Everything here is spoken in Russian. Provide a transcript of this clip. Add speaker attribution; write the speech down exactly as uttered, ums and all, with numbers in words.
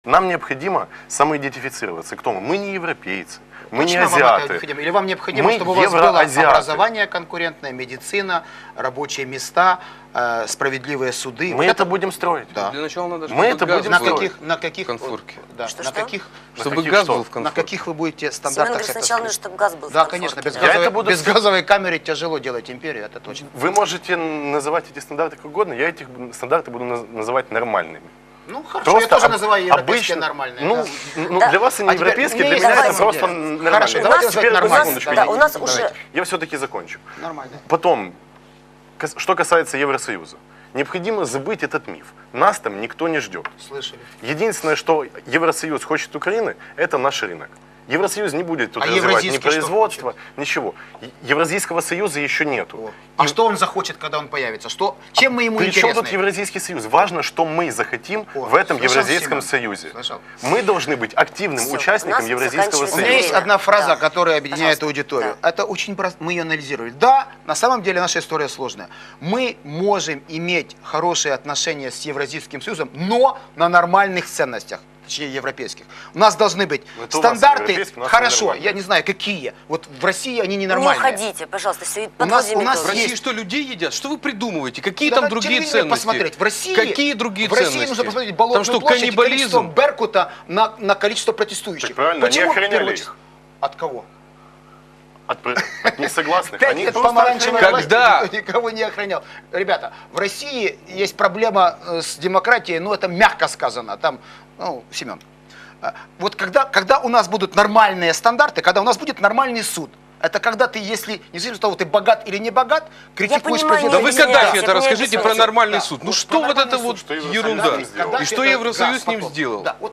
Speaker 1: Нам необходимо самоидентифицироваться. Кто мы? Мы не европейцы, мы
Speaker 2: Точно
Speaker 1: не
Speaker 2: вам это
Speaker 1: азиаты.
Speaker 2: необходимо? Или вам необходимо,
Speaker 1: Мы
Speaker 2: чтобы у вас было
Speaker 1: евроазиаты.
Speaker 2: образование конкурентное, медицина, рабочие места, э, справедливые суды?
Speaker 1: Мы
Speaker 2: Вот
Speaker 1: это будем строить.
Speaker 2: Да.
Speaker 3: Для начала надо,
Speaker 1: Мы
Speaker 3: чтобы
Speaker 1: это
Speaker 3: газ
Speaker 1: будем
Speaker 2: на
Speaker 3: был
Speaker 1: строить.
Speaker 2: каких, на каких,
Speaker 3: в конфорке.
Speaker 2: да,
Speaker 4: Что,
Speaker 2: на
Speaker 4: что?
Speaker 2: каких,
Speaker 1: На
Speaker 3: Чтобы
Speaker 1: каких
Speaker 3: газ
Speaker 1: что?
Speaker 3: был в
Speaker 2: на
Speaker 3: конфорке.
Speaker 2: каких вы будете
Speaker 4: Семен
Speaker 2: стандартах
Speaker 4: говорит,
Speaker 2: это
Speaker 4: сначала
Speaker 2: строить?
Speaker 4: нужно, чтобы газ был в
Speaker 2: Да,
Speaker 4: конфорке,
Speaker 2: конечно, без
Speaker 4: да.
Speaker 1: Я
Speaker 2: газовой,
Speaker 1: это буду
Speaker 2: без
Speaker 1: с-
Speaker 2: газовой камеры тяжело делать империю, это точно.
Speaker 1: Вы можете называть эти стандарты как угодно, я эти стандарты буду наз- называть нормальными.
Speaker 2: Ну хорошо, я тоже
Speaker 1: об-
Speaker 2: называю европейские
Speaker 1: обычно-
Speaker 2: нормальные.
Speaker 1: Ну,
Speaker 2: да.
Speaker 1: ну,
Speaker 4: Да.
Speaker 1: для вас они
Speaker 2: А теперь
Speaker 1: европейские,
Speaker 2: у
Speaker 1: для
Speaker 2: меня
Speaker 1: меня
Speaker 2: есть
Speaker 1: это
Speaker 2: давайте.
Speaker 1: просто нормально.
Speaker 2: Хорошо,
Speaker 1: А
Speaker 2: давайте
Speaker 1: теперь,
Speaker 2: назвать
Speaker 1: одну
Speaker 2: нормально.
Speaker 1: секундочку,
Speaker 4: Да,
Speaker 1: я-
Speaker 4: у нас
Speaker 2: Давайте.
Speaker 4: уже...
Speaker 1: я все-таки закончу.
Speaker 2: Нормально.
Speaker 1: Потом, кас- что касается Евросоюза, необходимо забыть этот миф. Нас там никто не ждет.
Speaker 2: Слышали.
Speaker 1: Единственное, что Евросоюз хочет Украины, это наш рынок. Евросоюз не будет тут
Speaker 2: А
Speaker 1: развивать ни
Speaker 2: Евразийский что
Speaker 1: производство, ничего. Е- Евразийского союза еще нету.
Speaker 2: А что он захочет, когда он появится? Что, чем мы ему
Speaker 1: Причем
Speaker 2: интересны?
Speaker 1: тут Евразийский союз? Важно, что мы захотим
Speaker 2: О,
Speaker 1: в этом
Speaker 2: слышал,
Speaker 1: Евразийском
Speaker 2: Семен?
Speaker 1: союзе.
Speaker 2: Слышал.
Speaker 1: Мы должны быть активным
Speaker 4: Всё, у
Speaker 1: участником
Speaker 4: нас
Speaker 1: Евразийского
Speaker 4: заканчивается
Speaker 2: У меня
Speaker 1: союза.
Speaker 2: есть одна фраза,
Speaker 4: Да.
Speaker 2: которая объединяет
Speaker 4: Пожалуйста.
Speaker 2: аудиторию.
Speaker 4: Да.
Speaker 2: Это очень просто. Мы ее анализировали. Да, на самом деле наша история сложная. Мы можем иметь хорошие отношения с Евразийским союзом, но на нормальных ценностях. Точнее, европейских. У нас должны быть
Speaker 1: Ну, это у вас
Speaker 2: стандарты,
Speaker 1: европейские, у нас
Speaker 2: хорошо,
Speaker 1: нормальные.
Speaker 2: я не знаю, какие. Вот в России они
Speaker 4: Не
Speaker 2: ненормальные.
Speaker 4: уходите, пожалуйста, все,
Speaker 2: У нас-
Speaker 4: подводим
Speaker 2: у нас
Speaker 3: В
Speaker 4: итоги.
Speaker 3: России
Speaker 2: есть-
Speaker 3: что, людей едят? Что вы придумываете? Какие
Speaker 2: Да
Speaker 3: там
Speaker 2: на
Speaker 3: другие
Speaker 2: телевидении
Speaker 3: ценности?
Speaker 2: посмотреть. В России,
Speaker 3: Какие другие
Speaker 2: в России
Speaker 3: ценности?
Speaker 2: нужно посмотреть Болотную
Speaker 3: Там что,
Speaker 2: площадь и количество
Speaker 3: каннибализм?
Speaker 2: Беркута на, на количество протестующих.
Speaker 1: Так правильно, они
Speaker 2: Почему в
Speaker 1: охраняли
Speaker 2: первую
Speaker 1: их.
Speaker 2: очередь? От кого?
Speaker 1: От, пр- от несогласных.
Speaker 2: Пять
Speaker 1: Они
Speaker 2: лет
Speaker 1: просто
Speaker 2: помаранчевой
Speaker 1: охраняли.
Speaker 2: власти
Speaker 3: Когда?
Speaker 2: никто никого не охранял. Ребята, в России есть проблема э, с демократией, ну это мягко сказано. Там, ну, Семен, э, вот когда, когда у нас будут нормальные стандарты, когда у нас будет нормальный суд, это когда ты, если, независимо от того, ты богат или не богат, критикуешь
Speaker 4: понимаю,
Speaker 3: Да
Speaker 4: не
Speaker 3: вы
Speaker 4: объясняйте,
Speaker 3: Каддафи
Speaker 4: это
Speaker 3: это
Speaker 4: не
Speaker 3: расскажите про
Speaker 4: объясняйте.
Speaker 3: нормальный
Speaker 2: Да,
Speaker 3: суд. Ну
Speaker 2: вот
Speaker 3: что
Speaker 2: про
Speaker 3: вот это
Speaker 2: нормальный
Speaker 3: вот
Speaker 1: суд, что Евросоюз
Speaker 3: ерунда?
Speaker 1: сделал.
Speaker 2: Каддафи
Speaker 3: И что
Speaker 2: это-
Speaker 3: Евросоюз
Speaker 2: да,
Speaker 3: с ним
Speaker 2: потом.
Speaker 3: сделал?
Speaker 2: Да, вот